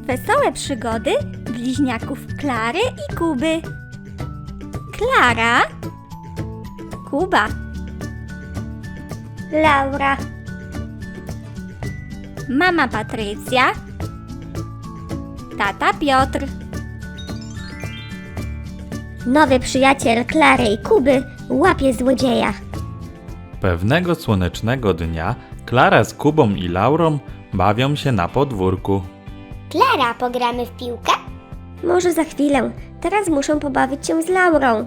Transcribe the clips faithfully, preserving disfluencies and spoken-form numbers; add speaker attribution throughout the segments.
Speaker 1: Wesołe przygody bliźniaków Klary i Kuby. Klara, Kuba, Laura, mama Patrycja, tata Piotr. Nowy przyjaciel Klary i Kuby łapie złodzieja.
Speaker 2: Pewnego słonecznego dnia Klara z Kubą i Laurą bawią się na podwórku.
Speaker 3: Klara, pogramy w piłkę?
Speaker 1: Może za chwilę, teraz muszę pobawić się z Laurą.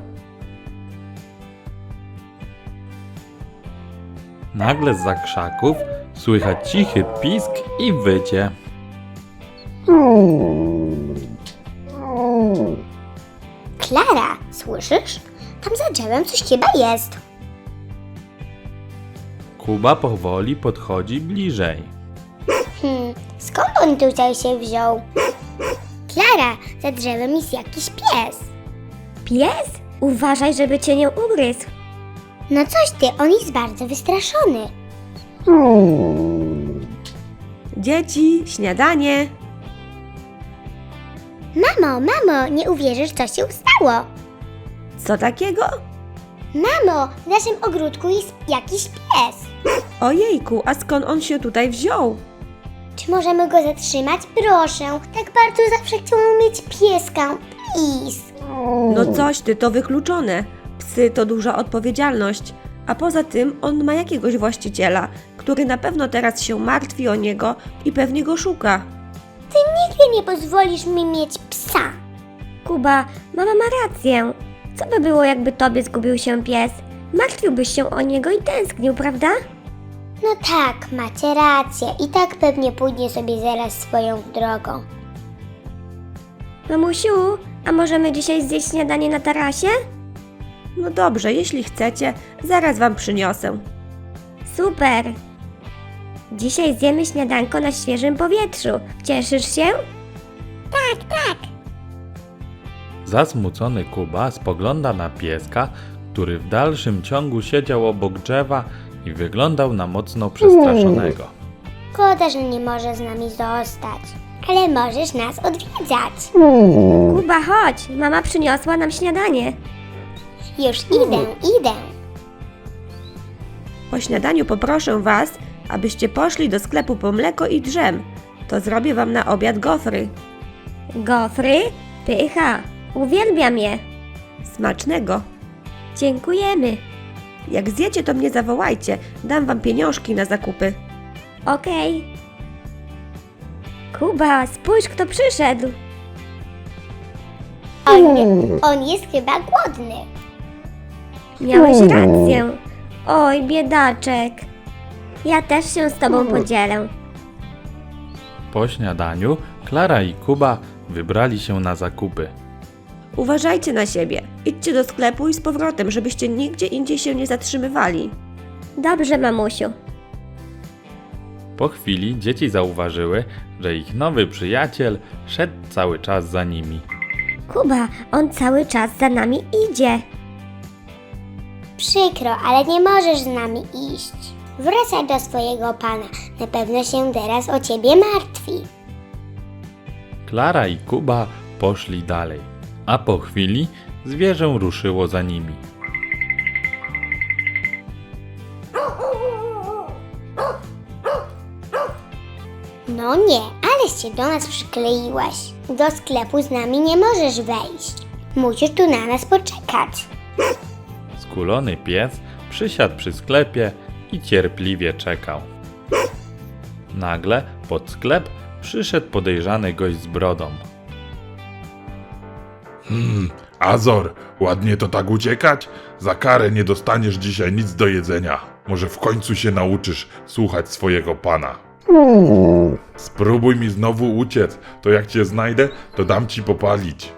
Speaker 2: Nagle zza krzaków słychać cichy pisk i wycie.
Speaker 3: Klara, słyszysz? Tam za drzewem coś chyba jest.
Speaker 2: Kuba powoli podchodzi bliżej.
Speaker 3: Hmm, skąd on tutaj się wziął? Klara, za drzewem jest jakiś pies.
Speaker 1: Pies? Uważaj, żeby cię nie ugryzł.
Speaker 3: No coś ty, on jest bardzo wystraszony.
Speaker 4: Dzieci, śniadanie.
Speaker 3: Mamo, mamo, nie uwierzysz, co się stało.
Speaker 4: Co takiego?
Speaker 3: Mamo, w naszym ogródku jest jakiś pies.
Speaker 4: Ojejku, a skąd on się tutaj wziął?
Speaker 3: Czy możemy go zatrzymać? Proszę, tak bardzo zawsze chciałam mieć pieska. Please.
Speaker 4: No coś ty, to wykluczone. Psy to duża odpowiedzialność. A poza tym on ma jakiegoś właściciela, który na pewno teraz się martwi o niego i pewnie go szuka.
Speaker 3: Ty nigdy nie pozwolisz mi mieć psa.
Speaker 1: Kuba, mama ma rację. Co by było, jakby tobie zgubił się pies? Martwiłbyś się o niego i tęsknił, prawda?
Speaker 3: No tak, macie rację. I tak pewnie pójdzie sobie zaraz swoją drogą.
Speaker 1: Mamusiu, a możemy dzisiaj zjeść śniadanie na tarasie?
Speaker 4: No dobrze, jeśli chcecie, zaraz wam przyniosę.
Speaker 1: Super! Dzisiaj zjemy śniadanko na świeżym powietrzu. Cieszysz się?
Speaker 2: Zasmucony Kuba spogląda na pieska, który w dalszym ciągu siedział obok drzewa i wyglądał na mocno przestraszonego.
Speaker 3: Szkoda, że nie możesz z nami zostać. Ale możesz nas odwiedzać.
Speaker 1: Kuba, chodź! Mama przyniosła nam śniadanie.
Speaker 3: Już idę, idę.
Speaker 4: Po śniadaniu poproszę was, abyście poszli do sklepu po mleko i drzem. To zrobię wam na obiad gofry.
Speaker 1: Gofry? Pycha! Uwielbiam je!
Speaker 4: Smacznego.
Speaker 1: Dziękujemy!
Speaker 4: Jak zjecie, to mnie zawołajcie. Dam wam pieniążki na zakupy.
Speaker 1: Okej. Kuba, spójrz, kto przyszedł.
Speaker 3: On, on jest chyba głodny.
Speaker 1: Miałeś rację. Oj, biedaczek. Ja też się z tobą podzielę.
Speaker 2: Po śniadaniu Klara i Kuba wybrali się na zakupy.
Speaker 4: Uważajcie na siebie. Idźcie do sklepu i z powrotem, żebyście nigdzie indziej się nie zatrzymywali.
Speaker 1: Dobrze, mamusiu.
Speaker 2: Po chwili dzieci zauważyły, że ich nowy przyjaciel szedł cały czas za nimi.
Speaker 1: Kuba, on cały czas za nami idzie.
Speaker 3: Przykro, ale nie możesz z nami iść. Wracaj do swojego pana. Na pewno się teraz o ciebie martwi.
Speaker 2: Klara i Kuba poszli dalej, a po chwili zwierzę ruszyło za nimi.
Speaker 3: No nie, ale się do nas przykleiłeś. Do sklepu z nami nie możesz wejść. Musisz tu na nas poczekać.
Speaker 2: Skulony pies przysiadł przy sklepie i cierpliwie czekał. Nagle pod sklep przyszedł podejrzany gość z brodą.
Speaker 5: Hmm, Azor, ładnie to tak uciekać? Za karę nie dostaniesz dzisiaj nic do jedzenia. Może w końcu się nauczysz słuchać swojego pana. Spróbuj mi znowu uciec, to jak cię znajdę, to dam ci popalić.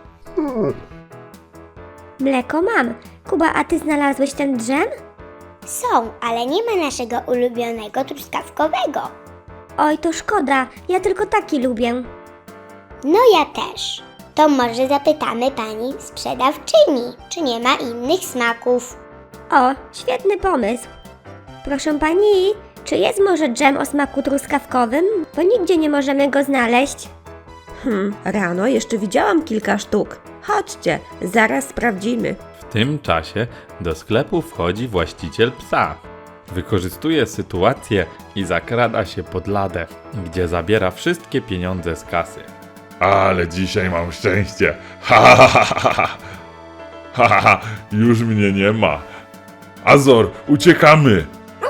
Speaker 1: Mleko mam. Kuba, a ty znalazłeś ten drzem?
Speaker 3: Są, ale nie ma naszego ulubionego truskawkowego.
Speaker 1: Oj, to szkoda. Ja tylko taki lubię.
Speaker 3: No ja też. To może zapytamy pani sprzedawczyni, czy nie ma innych smaków.
Speaker 1: O, świetny pomysł. Proszę pani, czy jest może dżem o smaku truskawkowym? Bo nigdzie nie możemy go znaleźć.
Speaker 4: Hmm, rano jeszcze widziałam kilka sztuk. Chodźcie, zaraz sprawdzimy.
Speaker 2: W tym czasie do sklepu wchodzi właściciel psa. Wykorzystuje sytuację i zakrada się pod ladę, gdzie zabiera wszystkie pieniądze z kasy.
Speaker 5: Ale dzisiaj mam szczęście. Ha, ha, ha, ha, ha. Ha, ha, ha. Już mnie nie ma. Azor, uciekamy.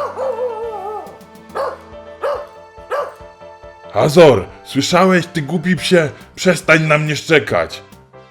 Speaker 5: Azor, słyszałeś, ty głupi psie? Przestań na mnie szczekać.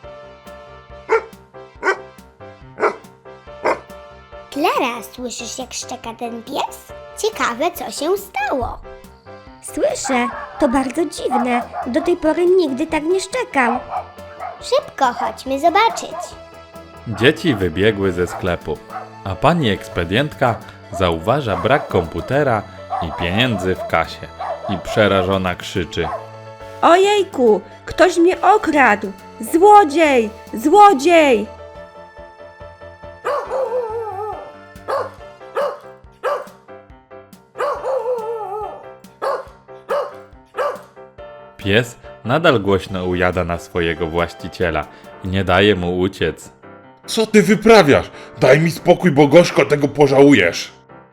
Speaker 3: Klara, słyszysz jak szczeka ten pies? Ciekawe, co się stało.
Speaker 1: Słyszę, to bardzo dziwne. Do tej pory nigdy tak nie szczekał.
Speaker 3: Szybko, chodźmy zobaczyć.
Speaker 2: Dzieci wybiegły ze sklepu, a pani ekspedientka zauważa brak komputera i pieniędzy w kasie i przerażona krzyczy.
Speaker 4: Ojejku, ktoś mnie okradł! Złodziej! Złodziej!
Speaker 2: Pies nadal głośno ujada na swojego właściciela i nie daje mu uciec.
Speaker 5: Co ty wyprawiasz? Daj mi spokój, bo gorzko tego pożałujesz.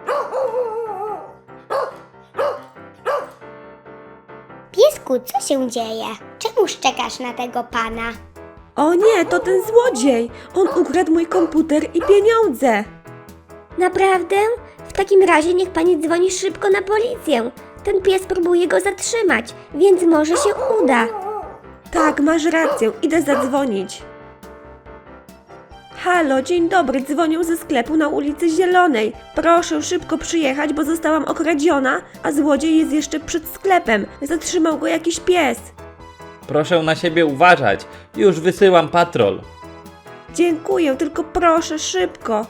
Speaker 3: Piesku, co się dzieje? Czemu szczekasz na tego pana?
Speaker 4: O nie, to ten złodziej! On ukradł mój komputer i pieniądze!
Speaker 1: Naprawdę? W takim razie niech pani dzwoni szybko na policję. Ten pies próbuje go zatrzymać, więc może się uda.
Speaker 4: Tak, masz rację, idę zadzwonić. Halo, dzień dobry, dzwonię ze sklepu na ulicy Zielonej. Proszę szybko przyjechać, bo zostałam okradziona, a złodziej jest jeszcze przed sklepem. Zatrzymał go jakiś pies.
Speaker 6: Proszę na siebie uważać. Już wysyłam patrol.
Speaker 4: Dziękuję, tylko proszę szybko.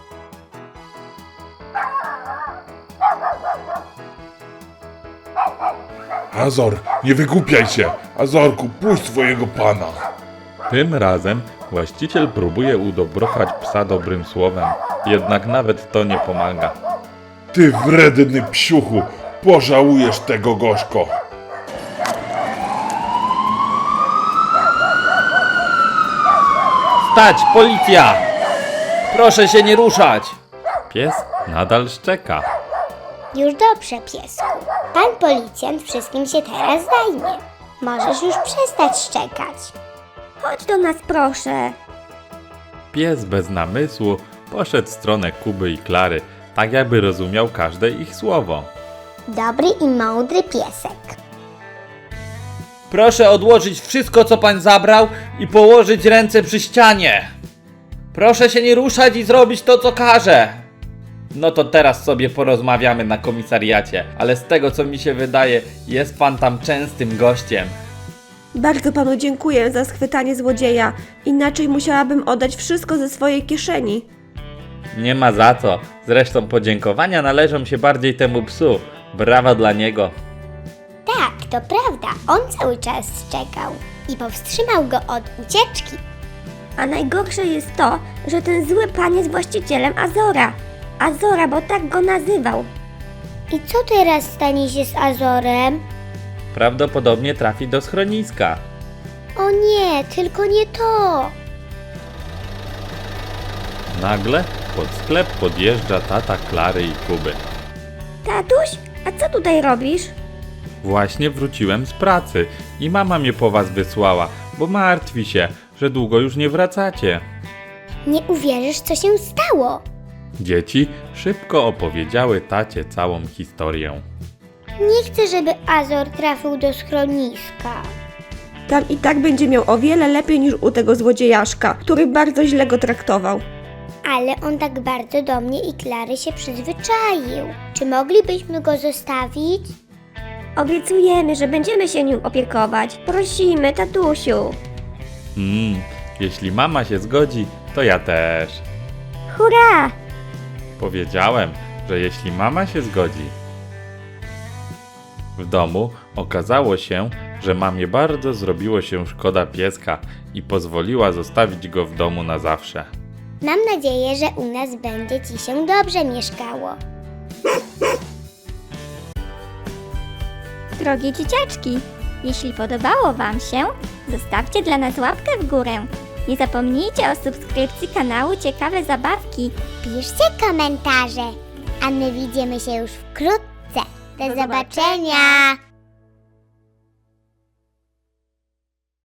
Speaker 5: Azor, nie wygłupiaj się. Azorku, puść swojego pana.
Speaker 2: Tym razem właściciel próbuje udobrochać psa dobrym słowem, jednak nawet to nie pomaga.
Speaker 5: Ty wredny psiuchu, pożałujesz tego gorzko.
Speaker 6: Stać, policja! Proszę się nie ruszać!
Speaker 2: Pies nadal szczeka.
Speaker 3: Już dobrze, piesku. Pan policjant wszystkim się teraz zajmie. Możesz już przestać szczekać.
Speaker 1: Chodź do nas, proszę.
Speaker 2: Pies bez namysłu poszedł w stronę Kuby i Klary, tak jakby rozumiał każde ich słowo.
Speaker 3: Dobry i mądry piesek.
Speaker 6: Proszę odłożyć wszystko, co pan zabrał i położyć ręce przy ścianie. Proszę się nie ruszać i zrobić to, co każę. No to teraz sobie porozmawiamy na komisariacie, ale z tego, co mi się wydaje, jest pan tam częstym gościem.
Speaker 4: Bardzo panu dziękuję za schwytanie złodzieja, inaczej musiałabym oddać wszystko ze swojej kieszeni.
Speaker 6: Nie ma za co. Zresztą podziękowania należą się bardziej temu psu. Brawa dla niego.
Speaker 3: Tak, to prawda. On cały czas szczekał i powstrzymał go od ucieczki.
Speaker 1: A najgorsze jest to, że ten zły pan jest właścicielem Azora. Azora, bo tak go nazywał.
Speaker 3: I co teraz stanie się z Azorem?
Speaker 6: Prawdopodobnie trafi do schroniska.
Speaker 3: O nie, tylko nie to.
Speaker 2: Nagle pod sklep podjeżdża tata Klary i Kuby.
Speaker 1: Tatuś, a co tutaj robisz?
Speaker 2: Właśnie wróciłem z pracy i mama mnie po was wysłała, bo martwi się, że długo już nie wracacie.
Speaker 3: Nie uwierzysz, co się stało.
Speaker 2: Dzieci szybko opowiedziały tacie całą historię.
Speaker 3: Nie chcę, żeby Azor trafił do schroniska.
Speaker 4: Tam i tak będzie miał o wiele lepiej niż u tego złodziejaszka, który bardzo źle go traktował.
Speaker 3: Ale on tak bardzo do mnie i Klary się przyzwyczaił. Czy moglibyśmy go zostawić?
Speaker 1: Obiecujemy, że będziemy się nim opiekować. Prosimy, tatusiu.
Speaker 2: Mm, jeśli mama się zgodzi, to ja też.
Speaker 1: Hurra!
Speaker 2: Powiedziałem, że jeśli mama się zgodzi. W domu okazało się, że mamie bardzo zrobiło się szkoda pieska i pozwoliła zostawić go w domu na zawsze.
Speaker 3: Mam nadzieję, że u nas będzie ci się dobrze mieszkało.
Speaker 1: Drogie dzieciaczki,
Speaker 7: Jeśli podobało Wam się, zostawcie dla nas łapkę w górę. Nie zapomnijcie o subskrypcji kanału Ciekawe Zabawki.
Speaker 3: Piszcie komentarze, a my widzimy się już wkrótce. Do
Speaker 7: Do
Speaker 3: zobaczenia.